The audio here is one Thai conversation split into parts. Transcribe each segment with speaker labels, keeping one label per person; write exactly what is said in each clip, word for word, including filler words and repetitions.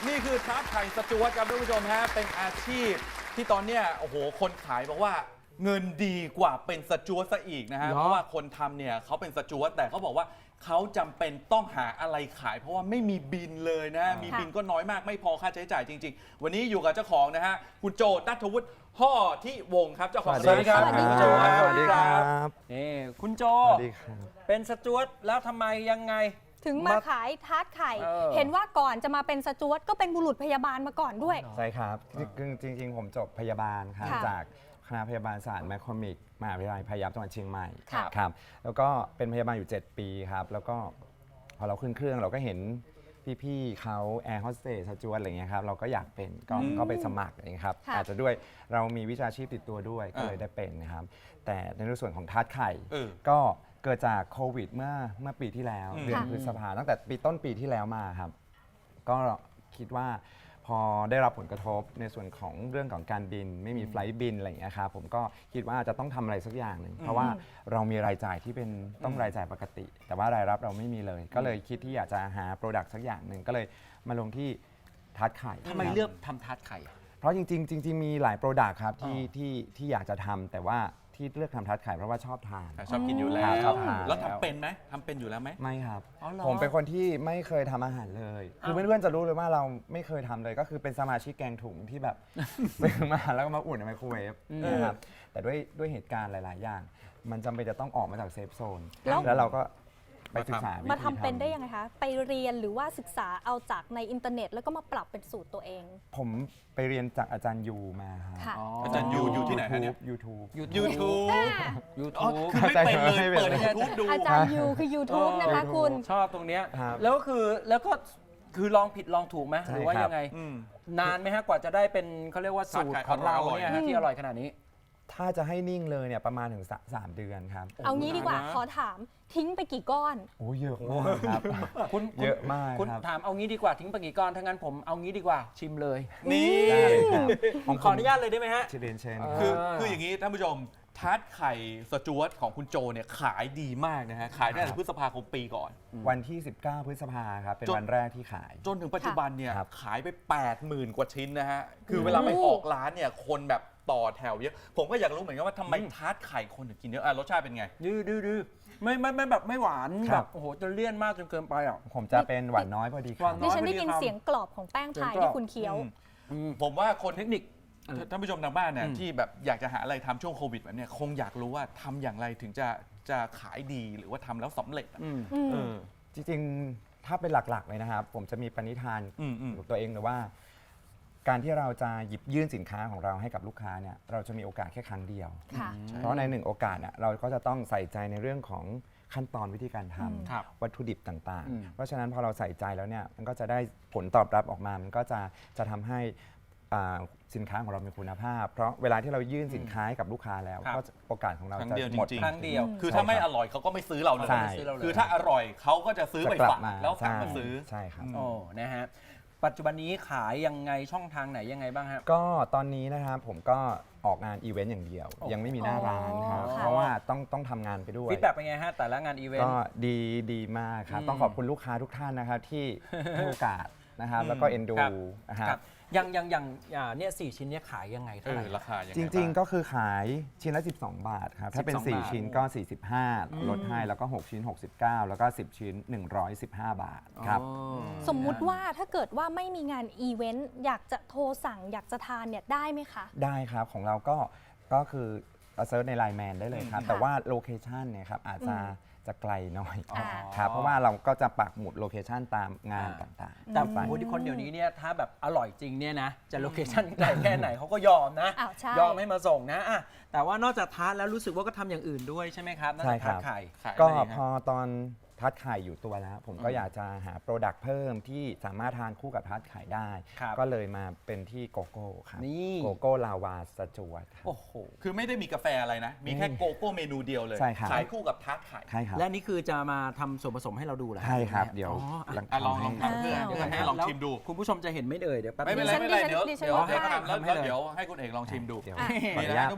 Speaker 1: นี่คือทาร์ตไข่สจวตครับท่านผู้ชมฮะเป็นอาชีพที่ตอนเนี้ยโอ้โหคนขายบอกว่าเงินดีกว่าเป็นสจวตซะอีกนะฮะเพราะว่าคนทำเนี่ยเขาเป็นสจวตแต่เขาบอกว่าเขาจำเป็นต้องหาอะไรขาย เพราะว่าไม่มีบินเลยนะมีบินก็น้อยมากไม่พอค่าใช้จ่ายจริงๆวันนี้อยู่กับเจ้าของนะฮะคุณโจนัทวุฒิห่อที่วงครับเจ้าของ
Speaker 2: สวัสดีครับ
Speaker 1: สวัสดี
Speaker 2: ส
Speaker 1: ครับ
Speaker 2: วัสดีครับ
Speaker 3: นี่คุณโจ
Speaker 2: สวัสดีครับ
Speaker 3: เป็นสจวตแล้วทำไมยังไง
Speaker 4: ถึงมาขายทาร์ตไข่
Speaker 3: เออ
Speaker 4: เห็นว่าก่อนจะมาเป็นสจวตก็เป็นบุรุษพยาบาลมาก่อนด้วย
Speaker 2: ใช่ครับจริงจริง ๆ ผมจบพยาบาลครับ
Speaker 4: ค่ะ
Speaker 2: จากคณะพยาบาลศาสตร์แมคคอมิกมหาวิทยาลัยพยาบจังหวัดเชียงใหม่
Speaker 4: ค่ะ
Speaker 2: ครับแล้วก็เป็นพยาบาลอยู่ เจ็ด ปีครับแล้วก็พอเราขึ้นเครื่องเราก็เห็นพี่ๆเขาแอร์โฮสเตสสจวตอะไรเงี้ยครับเราก็อยากเป็นก็ก็ไปสมัครอะไรเงี้ยครับ
Speaker 4: ค่ะ
Speaker 2: อาจจะด้วยเรามีวิชาชีพติดตัวด้วยก็เลยได้เป็นนะครับแต่ในส่วนของทาร์ตไข่
Speaker 1: เออ
Speaker 2: ก็เกิดจากโควิดเมื่อเมื่อปีที่แล้ว
Speaker 1: อืม
Speaker 2: เดือน
Speaker 4: ค่ะ
Speaker 2: พฤษภาตั้งแต่ปีต้นปีที่แล้วมาครับ ก็คิดว่าพอได้รับผลกระทบในส่วนของเรื่องของการบิน ไม่มีไฟลท์บินอะไรอย่างเงี้ยครับผมก็คิดว่าจะต้องทำอะไรสักอย่างหนึ่งเพราะว่าเรามีรายจ่ายที่เป็นต้องรายจ่ายปกติ แต่ว่ารายรับเราไม่มีเลย ก็เลยคิดที่อยากจะหาโปรดักต์สักอย่างหนึ่งก็เลยมาลงที่ทาร์ตไข่
Speaker 3: ทำไม
Speaker 2: ครับ
Speaker 3: เลือกทำทาร์ตไข่อะ
Speaker 2: เพราะจริงๆจริงๆมีหลายโปรดักต์ครับที่
Speaker 3: อ๋อ
Speaker 2: ที่ที่อยากจะทำแต่ว่าที่เลือกทำทาร์ตไข่เพราะว่าชอบทาน
Speaker 1: ชอบกินอยู่แล้ว
Speaker 2: ชอบทาน
Speaker 1: แล้วทำเป็นไหมทำเป็นอยู่แล้วไหม
Speaker 2: ไม่ครับ
Speaker 3: อ๋อเหรอ
Speaker 2: ผมเป็นคนที่ไม่เคยทำอาหารเลย คือเพื่อนๆจะรู้เลยว่าเราไม่เคยทำเลยก็คือเป็นสมาชิกแกงถุงที่แบบ ซื้อมาแล้วก็มาอุ่นในไมโครเวฟนะครับแต่ด้วยด้วยเหตุการณ์หลาย ๆ อย่าง มันจำเป็นจะต้องออกมาจากเซฟโซน
Speaker 4: แล้ว
Speaker 2: แล้วเราก็ไปศึกษาวิธี
Speaker 4: มาทำเป็นได้ยังไงคะ ไปเรียนหรือว่าศึกษาเอาจากในอินเทอร์เน็ต แล้วก็มาปรับเป็นสูตรตัวเอง
Speaker 2: ผมไปเรียนจากอาจารย์ยูมาครับ
Speaker 4: ค่ะ
Speaker 1: อาจารย์ยูอยู่ที่ไหนฮะเนี่ย
Speaker 2: ยูทูบ
Speaker 1: ยูทูบ
Speaker 3: ยู
Speaker 1: อ๋อ
Speaker 3: ทูบ
Speaker 1: คือไม่เป็นเลย
Speaker 2: ไม่เป็น
Speaker 1: เปิด YouTube ดู
Speaker 4: อาจารย์ยูคือ YouTube นะคะ
Speaker 2: เออ
Speaker 4: คุณ
Speaker 3: ชอบตรงเนี้ย
Speaker 2: ครับ
Speaker 3: แล้วก็คือแล้วก็คือลองผิดลองถูกไหม
Speaker 2: ใช่
Speaker 3: หรือว่า
Speaker 2: ครับ
Speaker 3: ยังไง
Speaker 1: อืม
Speaker 3: นานไหมฮะกว่าจะได้เป็นเขาเรียกว่าสูตรของเราเนี่ยฮะที่อร่อยขนาดนี้
Speaker 2: ถ้าจะให้นิ่งเลยเนี่ยประมาณถึงสะสามเดือนครับ
Speaker 4: เอางี้ดีกว่า
Speaker 3: นานนะ
Speaker 4: ขอถามทิ้งไปกี่ก้อน
Speaker 2: โอ้เยอะมากครับ
Speaker 3: คุณ
Speaker 2: เยอะมาก
Speaker 3: คุณ
Speaker 2: ครับ
Speaker 3: ถามเอางี้ดีกว่าทิ้งไปกี่ก้อนถ้างั้นผมเอางี้ดีกว่าชิมเลย
Speaker 1: นี่
Speaker 2: ได้เลยครับ
Speaker 3: ผมขออนุญาตเลยได้ไหมฮะ
Speaker 2: เชญเดนเชน
Speaker 3: เอ
Speaker 1: คือคืออย่างนี้ท่านผู้ชมทาร์ตไข่สจวตของคุณโจเนี่ยขายดีมากนะฮะขายตั้งแต่พฤษภาคมปีก่อน
Speaker 2: วันที่ สิบเก้า พฤษภาครับ เป็น
Speaker 1: จน
Speaker 2: วันแรกที่ขาย
Speaker 1: จนถึงปัจจุบันเนี่ย
Speaker 2: ครับ
Speaker 1: ขายไป แปดหมื่น กว่าชิ้นนะฮะ คือเวลาไปออกร้านเนี่ยคนแบบต่อแถวเยอะ ผมก็อยากรู้เหมือนกันว่าทำไมทาร์ตไข่คนถึงกินเยอะอ่ะรสชาติเป็นไง
Speaker 3: ดื้อดื้อดื้อไม่ไม่ไม่แบบไม่หวาน
Speaker 2: ค
Speaker 3: แบ
Speaker 2: รั
Speaker 3: บบ โอ้โหจนเลี่ยนมากจนเกินไปอ่ะ
Speaker 2: ผมจะเป็นหวานน้อยพอดีค
Speaker 3: ห
Speaker 2: รั
Speaker 3: วา
Speaker 2: บ
Speaker 3: น
Speaker 4: ดิฉันได้
Speaker 3: พอดี
Speaker 4: ยิน
Speaker 3: ครับ
Speaker 4: เสียงกรอบของแป้งพาย
Speaker 3: เสียงกรอบ
Speaker 4: ที่คุณเคี้ยว
Speaker 1: อืมผมว่าคน
Speaker 3: เทคนิค
Speaker 1: ท่านผู้ชมทางบ้านเนี่ย
Speaker 3: อืม
Speaker 1: ที่แบบอยากจะหาอะไรทำช่วงโควิดแบบเนี้ยคงอยากรู้ว่าทำอย่างไรถึงจะจะขายดีหรือว่าทำแล้วสำเร็จอะ
Speaker 3: อืม
Speaker 4: อืม
Speaker 1: เออ
Speaker 2: จริงๆ ถ้าเป็นหลักๆ เลยนะครับ ผมจะมีปณิธาน
Speaker 1: อืมอืม
Speaker 2: กับตัวเองเลยว่า การที่เราจะหยิบยื่นสินค้าของเราให้กับลูกค้าเนี่ยเราจะมีโอกาสแค่ครั้งเดียว
Speaker 4: ค่ะ
Speaker 2: เพราะในหนึ่งโอกาสน่ะเราก็จะต้องใส่ใจในเรื่องของขั้นตอนวิธีการท
Speaker 3: ครับ
Speaker 2: ำวัตถุดิบต่าง
Speaker 3: อืม
Speaker 2: ๆ เพราะฉะนั้นพอเราใส่ใจแล้วเนี่ยมันก็จะได้ผลตอบรับออกมา มันก็จะจะทำให้อ่าสินค้าของเรามีคุณภาพ เพราะเวลาที่เรายื่นสินค้าให้กับลูกค้าแล้ว
Speaker 3: ครับ
Speaker 2: ก็จะโอกาสของเรา
Speaker 1: ครั้ง
Speaker 2: จะ
Speaker 1: เดียว
Speaker 2: หมด
Speaker 1: จริงๆ
Speaker 3: ครั้งเดียว
Speaker 1: คือถ้าไม่อร่อยเขาก็ไม่ซื้อเราเลย
Speaker 2: ใช่
Speaker 3: ไม่ซื้อเราเลย
Speaker 1: คือถ้าอร่อยเขาก็จะซื้อไป
Speaker 2: จะกลั
Speaker 1: ฝา
Speaker 2: บ
Speaker 1: ก
Speaker 2: มา
Speaker 1: แล้วกลับ
Speaker 2: ใช่
Speaker 1: มาซื้อ
Speaker 2: ใช่ครับ
Speaker 1: อืม
Speaker 3: โอ้นะฮะปัจจุบันนี้ขายยังไงช่องทางไหนยังไงบ้างฮะ
Speaker 2: ก็ตอนนี้นะครับผมก็ออกงานอีเวนต์อย่างเดียว
Speaker 3: โอ้
Speaker 2: ยังไม่มีหน้าร้านครับ
Speaker 4: อ๋อค่ะ
Speaker 2: เพราะว่าต้องต้องทำงานไปด้วย
Speaker 3: ฟีดแบ็กเป็นไงฮะแต่ละงานอีเวน
Speaker 2: ก็
Speaker 3: ต์
Speaker 2: ดีดีมากครับ
Speaker 3: อืม
Speaker 2: ต้องขอบคุณลูกค้าทุกท่านนะครับที่ ให้โอกาสนะครับ
Speaker 1: อืม
Speaker 2: แล้วก็เอ็นดู
Speaker 3: ครับ
Speaker 2: นะครั
Speaker 3: ครับ บยังยังยังอ่าเนี่ยสี่ชิ้นเนี้ยขายยังไง
Speaker 1: เอ
Speaker 3: เท่าไหร่
Speaker 1: อราคายังไง
Speaker 2: จริง
Speaker 1: บ้า
Speaker 2: ๆ ก็คือขายชิ้นละ สิบสอง บาทครับ ถ้าเป็น
Speaker 3: สิบสอง
Speaker 2: สี่
Speaker 3: บาท
Speaker 2: ชิ้นก็ สี่สิบห้า
Speaker 3: อืม
Speaker 2: ลดให้ แล้วก็ หก ชิ้น หกสิบเก้า แล้วก็ สิบ ชิ้น หนึ่งร้อยสิบห้า บาทครับ
Speaker 3: อ๋อ
Speaker 4: สมมุติว่าถ้าเกิดว่าไม่มีงานอีเวนต์อยากจะโทรสั่งอยากจะทานเนี่ยได้ไหมคะ
Speaker 2: ได้ครับของเราก็ก็คือเซิร์ชในไลน์แมนได้เลยครับ
Speaker 1: อืม
Speaker 2: แต่ว่าโลเคชันเนี่ยครับอาจจะจะไกลหน่อย
Speaker 4: อ่า
Speaker 2: ครับเพราะว่าเราก็จะปักหมุดโลเคชันตามงานต่างๆ
Speaker 3: แต่
Speaker 2: ไป
Speaker 3: คนที่คนเดี๋ยวนี้เนี่ยถ้าแบบอร่อยจริงเนี่ยนะจะโลเคชั่นไกลแค่ไหนเขาก็ยอมนะ
Speaker 4: อ้าวใช่
Speaker 3: ยอมให้มาส่งนะอ่ะแต่ว่านอกจากทานแล้วรู้สึกว่าก็ทำอย่างอื่นด้วยใช่ไหมครับนอก
Speaker 2: ใช่
Speaker 3: จาก
Speaker 2: ครั
Speaker 3: ทาน
Speaker 2: บ
Speaker 3: ไข่
Speaker 1: ขาย
Speaker 2: ก็
Speaker 1: อะไร
Speaker 2: พ
Speaker 1: ฮะ
Speaker 2: อตอนทัดไข่อยู่ตัวแล้ว ผมก็อยากจะหาโปรดักต์เพิ่มที่สามารถทานคู่กับทัดไข่ได้
Speaker 3: ครับ
Speaker 2: ก็เลยมาเป็นที่โกโก้ครับ
Speaker 3: นี่
Speaker 2: โกโก้ลาวาสจวตครับ
Speaker 3: โอ้โห
Speaker 1: คือไม่ได้มีกาแฟอะไรนะ มีแค่โกโก้เมนูเดียวเลย
Speaker 2: ใช่ครับ
Speaker 1: ขายคู่กับทาร์ตไข่
Speaker 2: ใช่ครับ
Speaker 3: และนี่คือจะมาทำส่วนผสมให้เราดูเหรอ
Speaker 2: ใช่ครับ
Speaker 3: แม่
Speaker 2: เดี๋ยว
Speaker 3: อ๋ออ่ะ
Speaker 2: หลัง
Speaker 1: อ่ะลองลอง
Speaker 2: ให้
Speaker 1: ทำเพื่อ
Speaker 4: อ่า
Speaker 1: เพื่อให้ลองชิมดู
Speaker 3: คุณผู้ชมจะเห็นไม่เอ่ยเดี๋ยวแป๊บ
Speaker 1: ไม่เป็นไร
Speaker 4: ดิฉัน
Speaker 1: ไม่เป็นไร
Speaker 4: ดิฉัน
Speaker 1: เดี๋ยว
Speaker 4: ดิฉัน
Speaker 1: เดี๋ยว
Speaker 4: ว่า
Speaker 1: ให้
Speaker 4: ได้
Speaker 1: ทำแล้ว
Speaker 3: ทำให้
Speaker 1: แล้ว
Speaker 3: เลย
Speaker 1: เดี๋ยวให้คุณเอกลองชิมดู
Speaker 2: เดี๋ยว
Speaker 4: อ่ะ
Speaker 2: ขออ
Speaker 1: นี่
Speaker 2: นุ
Speaker 1: นะ
Speaker 2: ญาต
Speaker 1: ท่านผู้ชม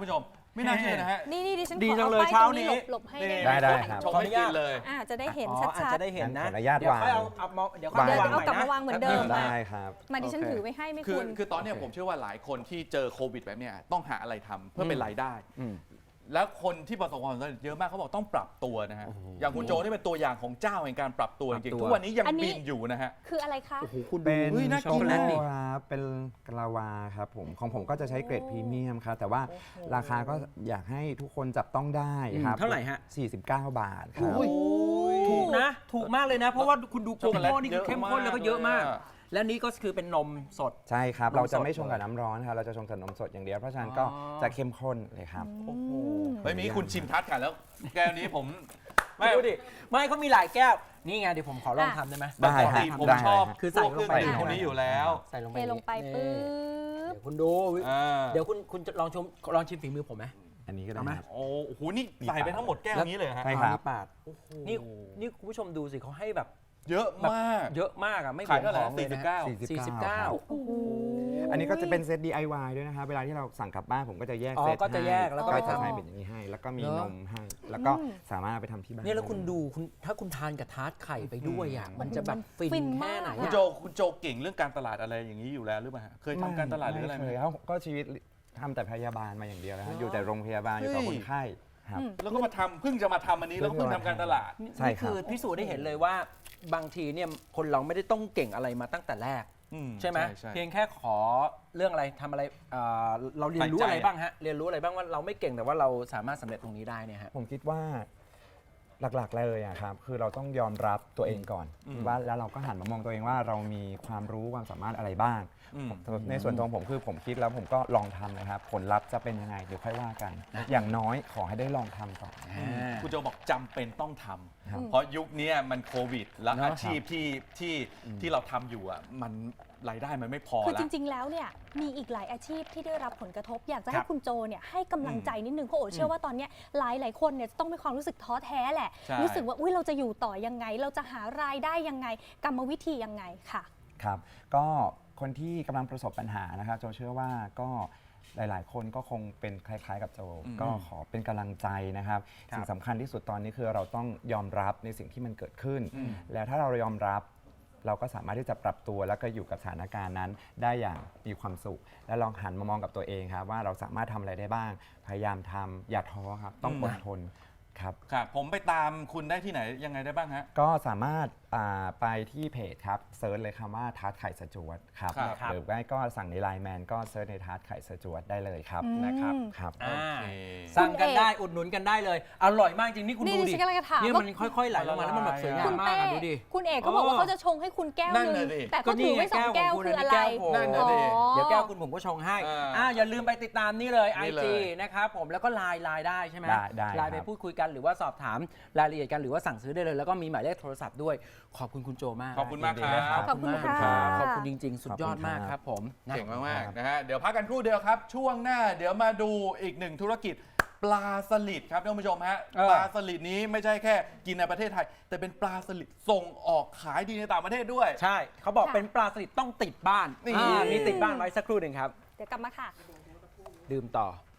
Speaker 1: ไม่น่าเชื่อนะฮะ
Speaker 4: นี่นี่ดิฉัน
Speaker 3: ดี
Speaker 4: ขอ
Speaker 3: จัง
Speaker 4: เอา
Speaker 3: เลย
Speaker 4: ป้าย
Speaker 3: เช้า
Speaker 4: ตรงนี้
Speaker 3: นี้
Speaker 4: หลบหลบให้
Speaker 1: นี่
Speaker 4: ได้
Speaker 2: ได้
Speaker 4: ไหม
Speaker 2: ครับ
Speaker 1: ชมให้กินเลย
Speaker 4: อ่าจะได้เห็น
Speaker 3: อ๋อ
Speaker 4: ชั
Speaker 3: อาจ
Speaker 4: ด
Speaker 3: จะได้เห็นนะ
Speaker 2: ขออนุญาต
Speaker 3: เดี๋ยวค่อยเอา
Speaker 2: วาง
Speaker 3: เอามาเดี๋ยว
Speaker 2: วาง
Speaker 3: ค่อย
Speaker 4: เดี๋ยว
Speaker 3: วาง
Speaker 4: เอากลับ
Speaker 3: ใหม่
Speaker 4: มาวางเหมือนเดิม
Speaker 3: แป๊บ
Speaker 2: ได้ครับ
Speaker 4: ๆมาดิฉันถือไว้ให้ไหม่
Speaker 1: คือ
Speaker 4: คุณ
Speaker 1: คือตอนเนี้ย
Speaker 2: โอเค
Speaker 1: ผมเชื่อว่าหลายคนที่เจอโควิดแบบเนี้ยต้องหาอะไรทำเพื่อเป็นรายได้
Speaker 2: อืม
Speaker 1: แล้วคนที่ประสบความสำเร็จเยอะมากเขาบอกต้องปรับตัวนะฮะ อย่างคุณโจนี่เป็นตัวอย่างของเจ้าแห่งการปรับตัวจริง
Speaker 3: ปรับตัว
Speaker 1: ๆทุกวันนี้ยัง
Speaker 4: อันนี้
Speaker 1: บินอยู่นะฮะ
Speaker 4: คืออะไรคะ
Speaker 3: โอ้โหคุณ
Speaker 2: เป็
Speaker 3: ดู
Speaker 2: น
Speaker 1: เฮ้ยน่า
Speaker 3: ช็อก
Speaker 1: กิ
Speaker 3: โกแลตดิ
Speaker 2: ครับเป็นกะลาวาครับผมของผมก็จะใช้เกรดพรีเมียมครับแต่ว่าราคาก็อยากให้ทุกคนจับต้องได้ครับ
Speaker 3: อืมเท่าไหร่ฮะ
Speaker 2: สี่สิบเก้า บาทครับ
Speaker 3: โอ้ยถูกนะ ถูกมากเลยนะ เพราะว่าคุณดู
Speaker 1: ช็อกโกแลต
Speaker 3: โก้นี่คือเข้มข้นแล้วก็เยอะมาก
Speaker 1: เยอะมาก
Speaker 3: และนี่ก็คือเป็นนมสด
Speaker 2: ใช่ครับ
Speaker 3: นมสด
Speaker 2: เราจะไม่ชงกับน้ำร้อนครับเราจะชงกับนมสดอย่างเดียวเพราะฉะนั้นก็
Speaker 3: อ๋อ
Speaker 2: จะเข้มข้นเลยครับ
Speaker 1: โอ้โหเฮ้ยมีคุณชิมทัดกันแล้ว แก้วนี้ผม
Speaker 3: ไม่ดูดิ ไม่เขามีหลายแก้ว นี่ไงเดี๋ยวผมขอลองทำได้ไหม
Speaker 2: ได้
Speaker 1: ปก
Speaker 2: ฮะ
Speaker 1: ติผม
Speaker 2: ได้
Speaker 1: ชอบ
Speaker 2: ฮะ
Speaker 3: คือใส่ลงไป
Speaker 1: พวกเครื่องดื่มพวกนี้อยู่แล้ว
Speaker 3: ใส่ลงไป
Speaker 4: เทลงไป
Speaker 3: นี่
Speaker 4: ปึ๊บ
Speaker 3: เดี๋ยวคุณดู
Speaker 1: อ่า
Speaker 3: เดี๋ยวคุณคุณจะลองชมลองชิมฝีมือผมไหม
Speaker 2: อันนี้ก็ได้
Speaker 3: เอาไหม
Speaker 2: ครับ
Speaker 1: โอ้โหนี่ใส่ไปทั้งหมดแก้วนี้เลยเหรอฮะ
Speaker 2: ใช่ครับ
Speaker 3: อ๋อนี่ปาดนี่นี่คุณผู้ชมดูสิเขาให้แบบ
Speaker 1: เยอะมาก
Speaker 3: เยอะมากอ่ะไม่
Speaker 1: ขายเท่าไหร่
Speaker 3: ของเลย
Speaker 1: สี่สิ
Speaker 3: นะ
Speaker 1: บเก้า
Speaker 3: สี่สิบเก้า
Speaker 4: โอ้โห
Speaker 2: อันนี้ก็จะเป็นเซต ดี ไอ วาย ด้วยนะครับเวลาที่เราสั่งกลับบ้านผมก็จะแยก
Speaker 3: อ๋อ
Speaker 2: เซต
Speaker 3: ก็จะแยกแล้วก็
Speaker 2: ให้
Speaker 3: ไปทำ
Speaker 2: จะให้เป็นอย่างนี้ให้ แล้วก็มี
Speaker 3: เน
Speaker 2: น
Speaker 3: อะ
Speaker 2: มให้ แล้วก็สามารถเอาไปทำที่บ้าน
Speaker 3: เนี่ยแล้วคุณดูคุณถ้าคุณทานกับทาร์ตไข่ไปด้วยอ่ะมันจะแบบฟิ
Speaker 4: ฟิ
Speaker 3: น
Speaker 4: น
Speaker 3: แค่ไหน
Speaker 4: มาก
Speaker 1: คุณ
Speaker 3: อะ
Speaker 1: โจคุณโจเก่งเรื่องการตลาดอะไรอย่างนี้อยู่แล้วหรือเปล่าฮะเคยทำการตลาดหรืออะไรไหม
Speaker 2: ม่เคยครับก็ชีวิตทำแต่พยาบาลมาอย่างเดียวนะฮะอยู่แต่โรงพยาบาลอยู่กับ
Speaker 1: เฮ้ย
Speaker 2: คนไข้ครับ
Speaker 1: แล้วก็มาทำเพิ่งจะมาทำอันนี้แล้วเพิ่งทำการตลาด
Speaker 2: ใช่
Speaker 3: นี่
Speaker 2: ครับ
Speaker 3: คือพิสูจน์ได้เห็นเลยว่าบางทีเนี่ยคนเราไม่ได้ต้องเก่งอะไรมาตั้งแต่แรก
Speaker 1: อื
Speaker 3: ใช่ไหม
Speaker 1: ใช่
Speaker 3: เพียงแค่ขอเรื่องอะไรทำอะไรเอ่อเราเรียนรู้
Speaker 1: ใส่ใจ
Speaker 3: อะไรบ้างฮะเรียนรู้อะไรบ้างว่าเราไม่เก่งแต่ว่าเราสามารถสำเร็จตรงนี้ได้เนี่ยฮะ
Speaker 2: ผมคิดว่าหลักๆเลยอะครับคือเราต้องยอมรับตัวเองก่อน
Speaker 1: อืม
Speaker 2: ว่าแล้วเราก็หันมามองตัวเองว่าเรามีความรู้ความสามารถอะไรบ้าง
Speaker 1: อืม
Speaker 2: ในส่วนตัวผมคือผมคิดแล้วผมก็ลองทำนะครับ ผลลัพธ์จะเป็นยังไงเดี๋ยวค่อยว่ากัน อย่างน้อยขอให้ได้ลองทำก่อน
Speaker 1: คุณโจบอกจำเป็นต้องทำ
Speaker 2: ครับ
Speaker 1: เพราะยุคเนี้ยมันโควิด แล้ว
Speaker 3: เนอะ
Speaker 1: อาชีพที่ที่ที่เราทำอยู่อ่ะมันรายได้มันไม่พอ
Speaker 4: คือ
Speaker 1: แล้
Speaker 4: จ
Speaker 1: ว
Speaker 4: ริง ๆ แล้วเนี่ยมีอีกหลายอาชีพที่ได้รับผลกระทบ อยากจะ
Speaker 3: ค
Speaker 4: ให้
Speaker 3: รับ
Speaker 4: คุณโจเนี่ยให้กำลังใจนิดนึงเพราะโอเชื่อว่าตอนเนี้ยหลายหลายๆคนเนี่ยจะต้องมีความรู้สึกท้อแท้แหละ
Speaker 1: ใช่
Speaker 4: รู้สึกว่าอุ้ยเราจะอยู่ต่อยังไง เราจะหารายได้ยังไง กรรมวิธียังไงค่ะ
Speaker 2: ครับ ก็คนที่กำลังประสบปัญหานะครับโจเชื่อว่าก็หลายๆ คนก็คงเป็นคล้ายๆ กับโจ
Speaker 1: อืม
Speaker 2: ก็ขอเป็นกำลังใจนะครับ
Speaker 3: ครับ
Speaker 2: สิ่งสำคัญที่สุดตอนนี้คือเราต้องยอมรับในสิ่งที่มันเกิดขึ้น
Speaker 1: อืม
Speaker 2: แล้วถ้าเรายอมรับ เราก็สามารถที่จะปรับตัวแล้วก็อยู่กับสถานการณ์นั้นได้อย่างมีความสุข และลองหันมามองกับตัวเองครับว่าเราสามารถทำอะไรได้บ้าง พยายามทำอย่าท้อครับต้องอดทนครับ
Speaker 1: ครับผมไปตามคุณได้ที่ไหนยังไงได้บ้างฮะ
Speaker 2: ก็สามารถอ่าไปที่เพจครับเซิร์ชเลยคำว่าทาร์ตไข่สจวตครับ
Speaker 1: ครับ
Speaker 2: หรือไม่ก็สั่งในไลน์แมนก็เซิร์ชในทาร์ตไข่สจวตได้เลยครับ
Speaker 4: อืม
Speaker 2: นะครับครับ
Speaker 3: อ่า
Speaker 1: โอเค
Speaker 3: สั่งกัน
Speaker 4: คุณเอก
Speaker 3: ได้อุดหนุนกันได้เลย อร่อยมากจริงนี่คุณ
Speaker 4: นี่
Speaker 3: ดู
Speaker 4: ดิ
Speaker 3: ดิ
Speaker 4: ฉันกำลังจะถาม
Speaker 3: เนี่ย
Speaker 4: ว่า
Speaker 3: มันค่อยๆไหลลงมาแล้วมันแบบสวยงา
Speaker 4: คุ
Speaker 3: ม
Speaker 4: ณ
Speaker 3: มาก
Speaker 4: เต้
Speaker 3: อะดูดิ
Speaker 4: คุณเอกเขาบอกว่า
Speaker 3: เออ
Speaker 4: เขาจะชงให้คุณแก้ว
Speaker 1: นั่น
Speaker 4: หนึ่ง
Speaker 1: น่ะดิ
Speaker 4: แต่เขาถือไว้สองแก้วคืออะไร
Speaker 1: นั่นน่ะดิ
Speaker 4: อ๋อ
Speaker 3: เดี๋ยวแก้วคุณผมก็ชงให้
Speaker 1: อ่า
Speaker 3: อ่าอย่าลืมไปติดตามนี่เลย
Speaker 1: นี่
Speaker 3: ไอ
Speaker 1: เลย
Speaker 3: จีนะครับผมแล้วก็ไลน์ไลน์ได้ใช่ไหม
Speaker 2: ได้ได้
Speaker 3: ไลน์ไป
Speaker 2: ครับ
Speaker 3: พูดคุยกันหรือว่าสอบถามรายละเอียดกันหรือว่าสั่งซื้อได้เลย แล้วก็มีหมายเลขโทรศัพท์ด้วย ขอบคุณคุณโจมาก
Speaker 1: ขอบคุณมาก
Speaker 2: ยินดี
Speaker 1: ครับ
Speaker 2: นะ
Speaker 4: ขอบคุณ
Speaker 3: มาก
Speaker 4: ค่ะ
Speaker 3: ขอบคุณจริง ๆ สุดยอด
Speaker 2: ขอบคุณครับ
Speaker 3: มากครับผมนะ
Speaker 1: เก่งมากๆนะฮะเดี๋ยวพักกันครู่เดียวครับ ช่วงหน้าเดี๋ยวมาดูอีกหนึ่งธุรกิจ ปลาสลิดครับท่านผู้ชมฮะ
Speaker 3: เออ
Speaker 1: ปลาสลิดนี้ไม่ใช่แค่กินในประเทศไทย แต่เป็นปลาสลิดส่งออกขายดีในต่างประเทศด้วย
Speaker 3: ใช่เขาบอก
Speaker 4: ค่ะ
Speaker 3: เป็นปลาสลิดต้องติดบ้าน
Speaker 1: นี่
Speaker 3: อ่ามีติดบ้านไว้สักครู่หนึ่งครับ
Speaker 4: เดี๋ยวกลับมาค่ะ
Speaker 3: ดื่มต่อ